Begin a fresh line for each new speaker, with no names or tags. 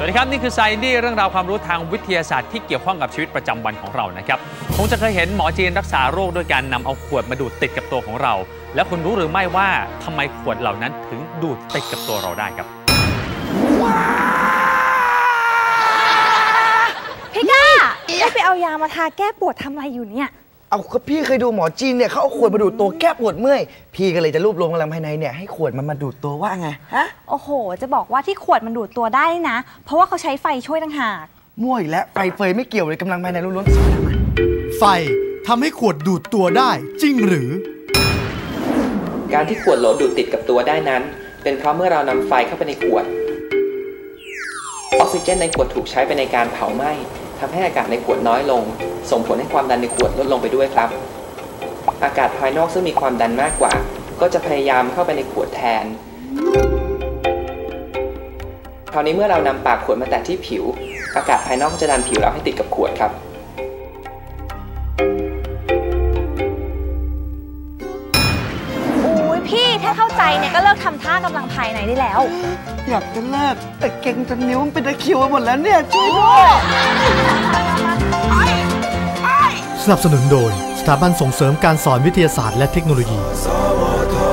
วัสดีครับนี่คือ Science เรื่องราวความรู้ทางวิทยาศาสตร์ที่เกี่ยวข้องกับชีวิตประจำวันของเรานะครับคงจะเคยเห็นหมอจีนรักษาโรคด้วยการนำเอาขวดมาดูดติดกับตัวของเราแล้วคุณรู้หรือไม่ว่าทำไมขวดเหล่านั้นถึงดูดติดกับตัวเราได้ครับ
พี่ก้าได้ไปเอายามาทาแก้ปวดทำอะไรอยู่เนี่ย
เอาก็พี่เคยดูหมอจีนเนี่ยเขาเอาขวดมาดูดตัวแก้ปวดเมื่อยพี่ก็เลยจะรวบรวมพลังภายในเนี่ยให้ขวดมันมาดูดตัวว่าไงฮะ
โอ้โหจะบอกว่าที่ขวดมันดูดตัวได้นะเพราะว่าเขาใช้ไฟช่วยต่างหาก
มั่วอีกแล้วไฟเฟยไม่เกี่ยวเลยกำลังภายในล้วนๆสอนทำไม
ไฟทำให้ขวดดูดตัวได้จริงหรือ
การที่ขวดโหลดูดติดกับตัวได้นั้นเป็นเพราะเมื่อเรานำไฟเข้าไปในขวดออกซิเจนในขวดถูกใช้ไปในการเผาไหม้ทำให้อากาศในขวดน้อยลงส่งผลให้ความดันในขวดลดลงไปด้วยครับอากาศภายนอกซึ่งมีความดันมากกว่าก็จะพยายามเข้าไปในขวดแทนคราวนี้เมื่อเรานำปากขวดมาแตะที่ผิวอากาศภายนอกจะดันผิวเราให้ติดกับขวดครับ
อุ้ยพี่ถ้าเข้าใจเนี่ยก็เลิกทำท่ากำลังภายในได้แล้ว
อยากจะเลิกแต่เก่งจนนิ้วมันเป็นตะคริวไปหมดแล้วเนี่ยช่วยด้วย
สนับสนุนโดยสถาบันส่งเสริมการสอนวิทยาศาสตร์และเทคโนโลยี